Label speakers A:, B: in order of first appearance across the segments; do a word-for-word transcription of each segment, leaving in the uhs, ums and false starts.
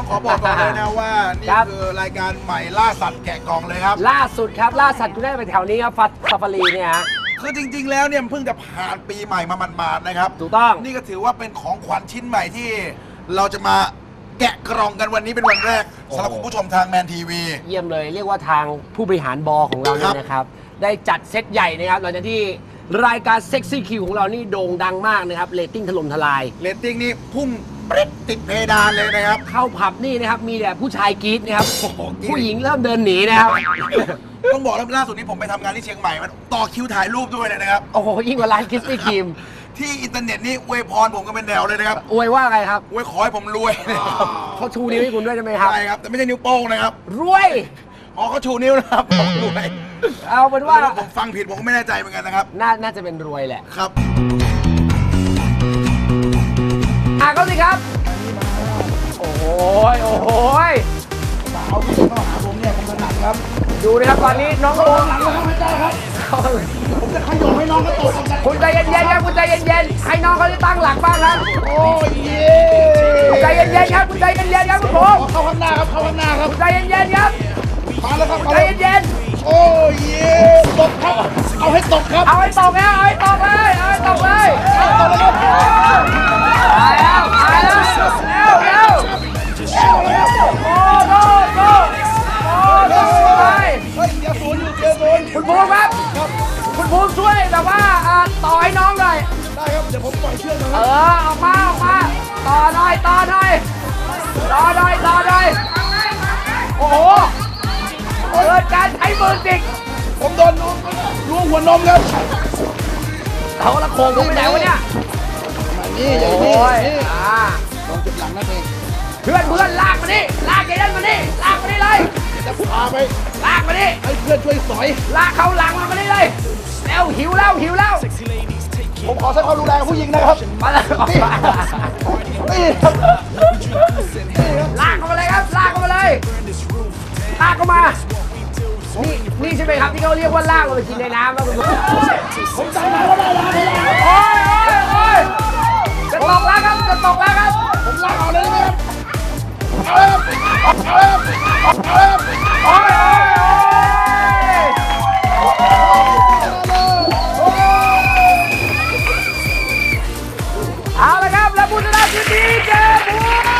A: ขอบอกก่อนเลยนะว่านี่คือรายการใหม่ล่าสัตว์แกะกล่องเลยครับ
B: ล่าสุดครับล่าสัตว์คุณได้ไปแถวนี้ครับฟัดซาฟารีเนี่ยฮะ
A: คือจริงๆแล้วเนี่ยเพิ่งจะผ่านปีใหม่มาหมาดๆนะครับ
B: ถูกต้อง
A: นี่ก็ถือว่าเป็นของขวัญชิ้นใหม่ที่เราจะมาแกะกล่องกันวันนี้เป็นวันแรกสำหรับคุณผู้ชมทางแมนทีวี
B: เยี่ยมเลยเรียกว่าทางผู้บริหารบอของเราเนี่ยนะครับได้จัดเซตใหญ่นะครับหลังจากที่รายการเซ็กซี่คิวของเรานี่โด่งดังมากนะครับเรตติ้งถล่มทลาย
A: เรตติ้งนี่พุ่งปริ๊ดติดเพดานเลยนะครับ
B: เข้าผับนี่นะครับมีแต่ผู้ชายกรี๊ดนะครับผู้หญิงเริ่มเดินหนีนะครับ
A: ต้องบอกแล้วล่าสุดนี้ผมไปทำงานที่เชียงใหม่มันต่อคิวถ่ายรูปด้วยเลยนะครับ
B: โอ้โหยิ่งกว่าร้านคิสปี้ครีม
A: ที่อินเทอร์เน็ตนี่อวยพรผมก็เป็นแถวเลยนะครับ
B: อวยว่าไงครับ
A: อวยขอให้ผมรวย
B: เขาชูนิ้วให้คุณด้วยใช่ไหมครับ
A: ใช่ครับแต่ไม่ใช่นิ้วโป้งนะครับ
B: รวย
A: อ๋อเขาชูนิ้วนะครับผมรวย
B: เอาเป็นว่า
A: ผมฟังผิดผมก็ไม่แน่ใจเหมือนกันนะครับ
B: น่าน่าจะเป็นรวยแหละ
A: ครับ
B: อ่ะเขาสิครับโอ้ยโอ้ย
A: สาวที่เข้าหาผมเนี่ยผมถนัดครับ
B: ดูนะครับตอนนี้น้องโอม
A: หลังเขาไม่ได้ครับผมจะขยมให้น้องเขาตก
B: คุณใจเย็นๆครับคุณใจเย็นๆให้น้องเขาได้ตั้งหลักบ้างครับ
A: โอ้ยเย่
B: ใจเย็นๆครับคุณใจเย็นๆครับคุณผม
A: เข้าข้างหน้าครับเข้าข้างหน้าครับ
B: ใจเย็นๆครับ
A: มาแล้วครับ
B: ใจเย็น
A: ๆโอ้ยเย่ตกครับเอาให้ตกครับ
B: เอาให้ตกแล้วเอาให้ตกเลยเอาให้ตกเลยตกเลยตายแล้วตายแล้วเร็วเร็วโอ้โหโอ้โหไป
A: เฮ้ยเดี๋ยวศูนย์อยู่เดี๋ยวศูนย์
B: คุณภูมิครับคุณภูมิช่วยแบบว่าต่อให้น้องหน่อย
A: ได้ครับเดี๋ยวผมปล่อยเชือกนะ
B: เออออกมาออกมาต่อหน่อยต่อหน่อยต่อหน่อยต่อหน่อยโอ้โหเกิดการใช้มือจิก
A: ผมโดนล้วงหัวนมครับ
B: เขาละโคงผมไปไหนวะเนี่ย
A: นี่อย่างนี้นี่ลองจุดหลังนั่นเอง
B: เพื่อนเพื่อนลากมานี่ลากไอ้นั่นมานี่ลากมานี่เลย
A: จะพาไป
B: ลากมานี่
A: ให้เพื่อนช่วยสอย
B: ลากเขาหลังมามานี่เลยแล้วหิวแล้วหิวแล้ว
A: ผมขอใช้ความรุนแรงผู้หญิงนะครับ
B: มาแล้ว
A: นี่ครับ
B: ลากเข้ามาเลยครับลากเข้ามาเลยลากเข้ามานี่นี่ใช่ไหมครับที่เขาเรียกว่าลากมากินในน้ำครับคุณผู้ชม
A: ผมจำได้ว่าได้แล้ว
B: โอ้ยโอ้ยโอ้ยจะตกแล้วครับจะตกแล้วครับ
A: ผมลากเอาเลยได้ไหมครับเอาเลยเอาเลยเอาเลย
B: โอ้ยเอาละครับและผู้ชนะคือดีเจบู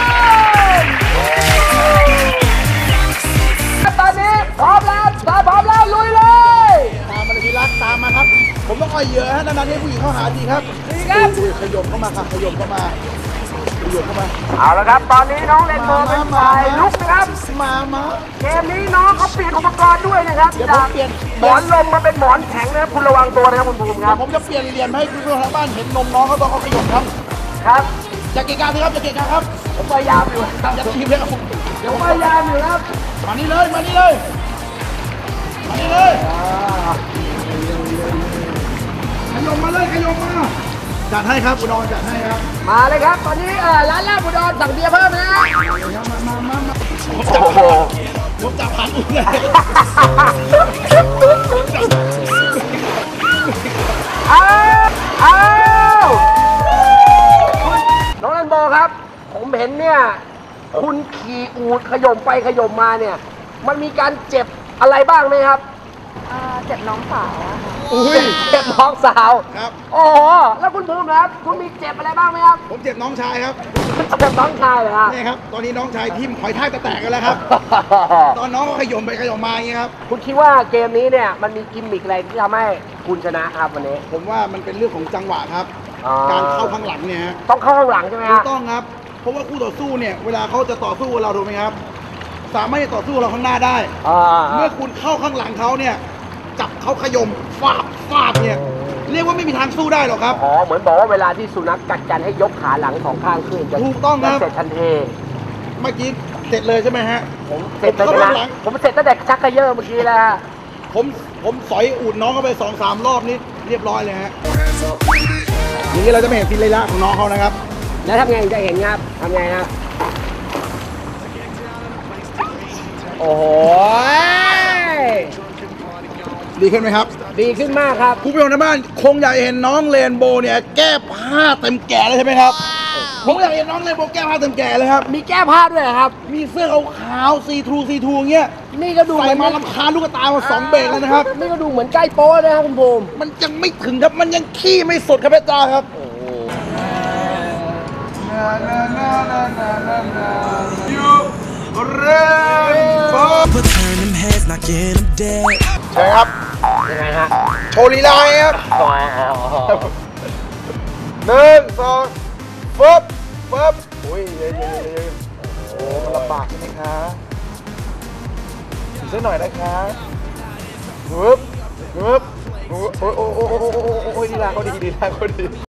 B: มตอนนี้พร้อมแล้วตาพร้อมแล้วลุยเลย
A: ตามมาเลยพี่รักตามมาครับผมต้องคอยเหยื่อฮะนานๆให้ผู้หญิงเข้าหาดีครับ
B: ดีครับ
A: ขยมเข้ามาครับขยมเข้ามาขยมเข้ามา
B: เอาละครับตอนนี้น้องเล่นโบเป็นฝ่ายลุกนะครับ
A: มามา
B: เกมนี้น้องเขาเปลี่ยนอุปกรณ์ด้วยนะครับจากหมอนลมมาเป็นหมอนแข็งนะครับคุณระวังตัวนะครับคุณภูมิครับ
A: ผมจะเปลี่ยนเหรียญให้คุณผู้ชมทางบ้านเห็นนมน้องเขาตอนเขาขยมครับ
B: ครับ
A: จะเกะกะสิครับจะเกะกะครับ
B: ผมพยายามอยู่ครับ
A: จะทีมเลยครับ
B: เดี๋ยวพยายามอยู่ครับ
A: มานี่เลยมานี่เลยมานี่เลยขยมมาเลยขยมมาจัดให้ครับอุดรจัดให้ครับ
B: มาเลยครับตอนนี้ร้านลาบอุดรสั่งเบียร์เพิ่มนะ
A: มามามามาผมจับผ่านผมจับผ่านอุ่นเลย
B: เอาเอาน้องแลนโบครับผมเห็นเนี่ยคุณขี่อูฐขย่มไปขย่มมาเนี่ยมันมีการเจ็บอะไรบ้างไหมครับ
C: เจ็บน้องสาว
B: อุ้ยเจ็บน้องสาว
A: ครับ
B: โอ้แล้วคุณภูมิครับคุณมีเจ็บอะไรบ้างไหมครับ
A: ผมเจ็บน้องชายครับ
B: เจ็บน้องชายเหรอครับ
A: นี่ครับตอนนี้น้องชายทิ่มหอยทากจะแตกกันแล้วครับตอนน้องก็ขย่มไปขย่มมาอย่างนี้ครับ
B: คุณคิดว่าเกมนี้เนี่ยมันมีกิมมิคอะไรที่ทำให้คุณชนะครับวันนี้
A: ผมว่ามันเป็นเรื่องของจังหวะครับการเข้าข้างหลังเนี่ย
B: ต้องเข้าข้างหลังใช่ไหมครับ
A: ต้องครับเพราะว่าคู่ต่อสู้เนี่ยเวลาเขาจะต่อสู้กับเราถูกไหมครับสามารถจะต่อสู้เราข้างหน้าได้เมื่อคุณเข้าข้างหลังเขาเนี่ยจับเขาขย่มฟาดฟาดเนี่ยเรียกว่าไม่มีทางสู้ได้หรอกครับ
B: อ๋อเหมือนบอกว่าเวลาที่สุนัขกัดกันให้ยกขาหลังสองข้างขึ้น
A: ถูกต้องครับ
B: เสร็จทันที
A: เมื่อกี้เสร็จเลยใช่ไหมฮะ
B: ผมเสร็จไปแล้วผมเสร็จตั้งแต่ชักกระเยอะเมื่อกี้แล้ว
A: ผมผมสอยอูดน้องเข้าไปสองสามรอบนี้เรียบร้อยเลยฮะอย่างนี้เราจะไม่เห็นฟิลเลยละของน้องเขานะครับ
B: แล้วทำไงจะเห็นครับทำไงครับโอ้โห
A: ดีขึ้นไหมครับ
B: ดีขึ้นมากครับ
A: ผู้ชมทางบ้านคงอยากเห็นน้องเรนโบว์เนี่ยแก้ผ้าเต็มแก่เลยใช่ไหมครับผมอยากเห็นน้องในโบแก้ผ้าเต็มแก่เลยครับ
B: มีแก้ผ้าด้วยเหรอครับ
A: มีเสื้อขาวๆซีทรูซีทรูเงี้ย
B: นี่ก็ดู
A: ใส่มาลำคาญลูกตามาสองเบรกแล้วนะครับ
B: นี่ก็ดูเหมือนใกล้โป๊นะครับคุณภูมิ
A: มันยังไม่ถึงครับ มันยังขี้ไม่สุดครับพี่ตาครับยูเรนโบ
D: But turn them heads, knocking them dead.
A: ใช่ครับ
B: ยังไงฮะ
A: โชว์ลีลาครับหนึ่งสองฟึบฟึบโอ้ยเยอะๆๆโอ้มันลำบากใช่ไหมคะอีกสักหน่อยนะคะฟึบฟึบโอ้ยโอ้ยโอ้ยโอ้ยโอ้ยดีลาเขาดีดีลาเขาดี